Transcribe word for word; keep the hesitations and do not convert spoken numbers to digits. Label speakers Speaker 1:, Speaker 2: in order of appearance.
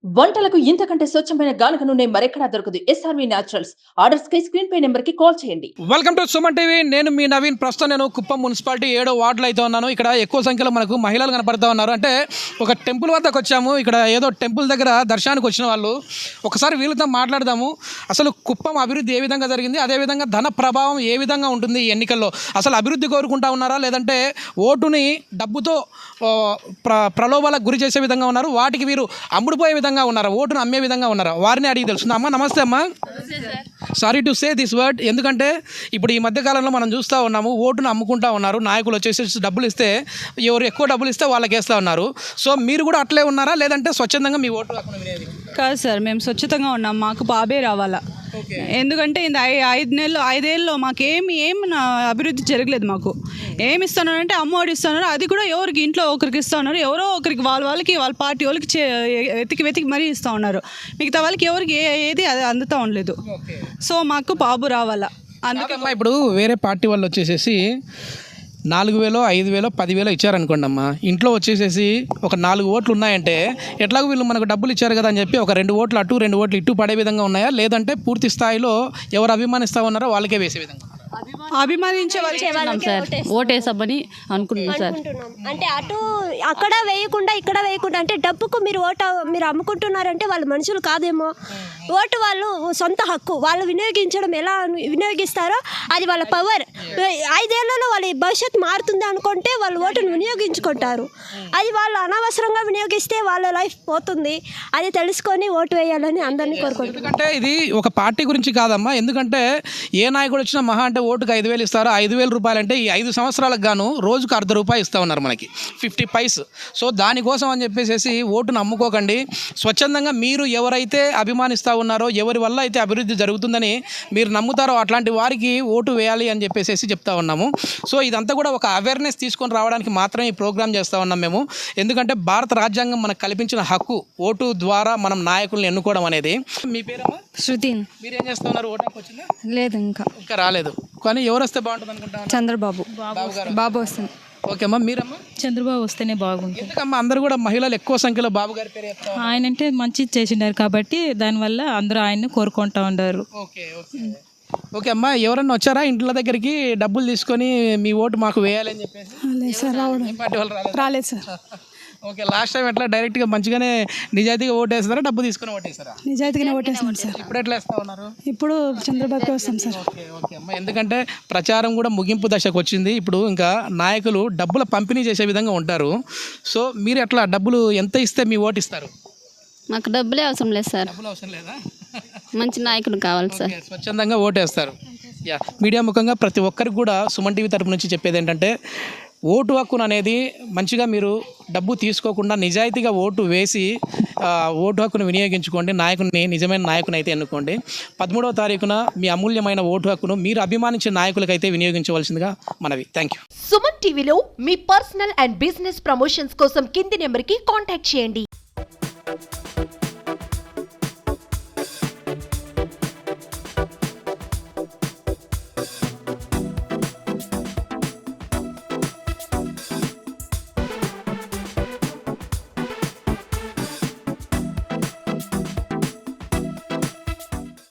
Speaker 1: వంటలకు ఇంతకంటే స్వచ్ఛమైన గానుగ నూనె మరెక్కడా దొరకదు. SRV naturals. ఆర్డర్స్ కై స్క్రీన్ పై నెంబర్ కి కాల్ చేయండి.
Speaker 2: Welcome to Suman TV. నేను మీ నవీన్. ప్రస్తుతం నేను కుప్పం మున్సిపాలిటీ ఏడో వార్డులో అయితే ఉన్నాను. ఇక్కడ ఎక్కువ సంఖ్యలో మనకు మహిళలు కనపడుతూ ఉన్నారు. అంటే ఒక టెంపుల్ వద్దకు వచ్చాము. ఇక్కడ ఏదో టెంపుల్ దగ్గర దర్శనానికి వచ్చిన వాళ్ళు. ఒకసారి వీళ్ళతో మాట్లాడదాము. అసలు కుప్పం అభివృద్ధి ఏ విధంగా జరిగింది, అదేవిధంగా ధన ప్రభావం ఏ విధంగా ఉంటుంది ఈ ఎన్నికల్లో. అసలు అభివృద్ధి కోరుకుంటా ఉన్నారా, లేదంటే ఓటుని డబ్బుతో ప్ర ప్రలోభాలకు గురి చేసే విధంగా ఉన్నారు, వాటికి వీరు అమ్ముడుపోయే విధంగా ఉన్నారా, ఓటును అమ్మే విధంగా ఉన్నారా, వారిని అడిగి తెలుస్తుంది. అమ్మ నమస్తే. అమ్మ sorry to say this word, ఎందుకంటే ఇప్పుడు ఈ మధ్యకాలంలో మనం చూస్తూ ఉన్నాము, ఓటును అమ్ముకుంటా ఉన్నారు. నాయకులు వచ్చేసి డబ్బులు ఇస్తే, ఎవరు ఎక్కువ డబ్బులు ఇస్తే వాళ్ళకి వేస్తూ ఉన్నారు. సో మీరు కూడా అట్లే ఉన్నారా, లేదంటే స్వచ్ఛందంగా మీ ఓటు హక్కును వినేది?
Speaker 3: కాదు సార్, మేము స్వచ్ఛతంగా ఉన్నాం. మాకు బాబే రావాలా. ఎందుకంటే ఇది ఐదు నెలలు ఐదేళ్ళలో మాకేమి ఏం అభివృద్ధి జరగలేదు. మాకు ఏమి ఇస్తున్నారు, అమ్మఒడి ఇస్తున్నారు, అది కూడా ఎవరికి ఇంట్లో ఒకరికి ఇస్తూ ఉన్నారు, ఎవరో ఒకరికి వాళ్ళ వాళ్ళకి వాళ్ళ పార్టీ వాళ్ళకి వెతికి వెతికి మరీ ఇస్తూ ఉన్నారు. మిగతా వాళ్ళకి ఎవరికి ఏది అది అందుతూ ఉండలేదు. సో మాకు బాబు రావాలా. అందుకే
Speaker 2: ఇప్పుడు వేరే పార్టీ వాళ్ళు వచ్చేసేసి నాలుగు వేలో ఐదు వేలో పదివేలో ఇచ్చారనుకోండి అమ్మ, ఇంట్లో వచ్చేసేసి ఒక నాలుగు ఓట్లు ఉన్నాయంటే ఎట్లాగో వీళ్ళు మనకు డబ్బులు ఇచ్చారు కదా అని చెప్పి ఒక రెండు ఓట్లు అటు రెండు ఓట్లు ఇటు పడే విధంగా ఉన్నాయా, లేదంటే పూర్తి స్థాయిలో ఎవరు అభిమానిస్తూ ఉన్నారో వాళ్ళకే వేసే విధంగా?
Speaker 3: అభిమానించే
Speaker 4: వాళ్ళు సార్ ఓటేసామని అనుకుంటున్నాం సార్.
Speaker 5: అంటే అటు అక్కడ వేయకుండా ఇక్కడ వేయకుండా, అంటే డబ్బుకు మీరు ఓటు మీరు అమ్ముకుంటున్నారంటే వాళ్ళు మనుషులు కాదేమో. ఓటు వాళ్ళు సొంత హక్కు, వాళ్ళు వినియోగించడం ఎలా వినియోగిస్తారో అది వాళ్ళ పవర్. ఐదేళ్లలో వాళ్ళ భవిష్యత్తు మారుతుంది అనుకుంటే వాళ్ళు ఓటును వినియోగించుకుంటారు. అది వాళ్ళు అనవసరంగా వినియోగిస్తే వాళ్ళ లైఫ్ పోతుంది. అది తెలుసుకొని ఓటు వేయాలని అందరినీ కోరుకుంటున్నారు.
Speaker 2: ఎందుకంటే ఇది ఒక పార్టీ గురించి కాదమ్మా. ఎందుకంటే ఏ నాయకుడు వచ్చినా మహా అంటే ఓటుకు ఐదు వేలు ఇస్తారు. ఐదు వేల రూపాయలు అంటే ఈ ఐదు సంవత్సరాలకు గాను రోజుకు అర్ధ రూపాయి ఇస్తూ ఉన్నారు మనకి, ఫిఫ్టీ పైస్. సో దానికోసం అని చెప్పేసి ఓటును అమ్ముకోకండి. స్వచ్ఛందంగా మీరు ఎవరైతే అభిమానిస్తూ ఉన్నారో, ఎవరి వల్ల అయితే అభివృద్ధి జరుగుతుందని మీరు నమ్ముతారో అట్లాంటి వారికి ఓటు వేయాలి అని చెప్పేసి చెప్తా ఉన్నాము. సో ఇదంతా కూడా ఒక అవేర్నెస్ తీసుకొని రావడానికి మాత్రమే ఈ ప్రోగ్రామ్ చేస్తూ ఉన్నాం మేము. ఎందుకంటే భారత రాజ్యాంగం మనకు కల్పించిన హక్కు ఓటు ద్వారా మనం నాయకుల్ని ఎన్నుకోవడం అనేది. మీ పేరమ్మా?
Speaker 4: శృతి.
Speaker 2: మీరేం చేస్తూ ఉన్నారు? ఓటానికి వచ్చిందా?
Speaker 4: లేదు, ఇంకా
Speaker 2: ఇంకా రాలేదు. కానీ ఎవరు వస్తే బాగుంటుంది అనుకుంటా?
Speaker 4: చంద్రబాబు. బాబు వస్తుంది.
Speaker 2: ఓకే అమ్మా, మీరమ్మా?
Speaker 6: చంద్రబాబు వస్తేనే బాగుంటుంది.
Speaker 2: ఎందుకమ్మా అందరూ కూడా మహిళలు ఎక్కువ సంఖ్యలో బాబు గారి పేరు చెప్తారు?
Speaker 6: ఆయన అంటే మంచి చేసిండారు కాబట్టి దానివల్ల అందరూ ఆయన్ని కోరుకుంటా ఉన్నారు.
Speaker 2: ఓకే ఓకే ఓకే అమ్మా, ఎవరన్నా వచ్చారా ఇంట్లో దగ్గరికి డబ్బులు తీసుకొని మీ ఓటు మాకు వేయాలని చెప్పేసి?
Speaker 3: లేదు సార్, రావడం
Speaker 2: ఏం పార్టీ వాళ్ళు రాలేదు?
Speaker 3: రాలేదు సార్.
Speaker 2: ఓకే, లాస్ట్ టైం ఎట్లా డైరెక్ట్గా మంచిగానే నిజాయితీగా ఓటేస్తారా, డబ్బు తీసుకుని ఓటేస్తారా?
Speaker 3: నిజాయితీగానే ఓటేస్తాం సార్.
Speaker 2: ఇప్పుడు ఎట్లా వేస్తా ఉన్నారు?
Speaker 3: ఇప్పుడు చంద్రబాబుకి వస్తాం సార్.
Speaker 2: ఓకే ఓకే అమ్మా, ఎందుకంటే ప్రచారం కూడా ముగింపు దశకు వచ్చింది. ఇప్పుడు ఇంకా నాయకులు డబ్బుల పంపిణీ చేసే విధంగా ఉంటారు. సో మీరు ఎట్లా డబ్బులు ఎంత ఇస్తే మీ ఓటు ఇస్తారు?
Speaker 4: మాకు డబ్బులే అవసరం లేదు సార్.
Speaker 2: డబ్బులు అవసరం లేదా?
Speaker 4: మంచి నాయకుడు కావాలి సార్.
Speaker 2: స్వచ్ఛందంగా ఓటేస్తారు. యా, మీడియా ముఖంగా ప్రతి ఒక్కరికి కూడా సుమన్ టీవీ తరపు నుంచి చెప్పేది ఏంటంటే, ఓటు హక్కును అనేది మంచిగా మీరు డబ్బు తీసుకోకుండా నిజాయితీగా ఓటు వేసి ఓటు హక్కును వినియోగించుకోండి. నాయకుని నిజమైన నాయకుని అయితే ఎన్నుకోండి. పదమూడవ తారీఖున మీ అమూల్యమైన ఓటు హక్కును మీరు అభిమానించే నాయకులకైతే వినియోగించవలసిందిగా మనవి. Thank you.
Speaker 7: సుమన్ టీవీలో మీ పర్సనల్ అండ్ బిజినెస్ ప్రమోషన్స్ కోసం కింది నెంబర్కి కాంటాక్ట్ చేయండి.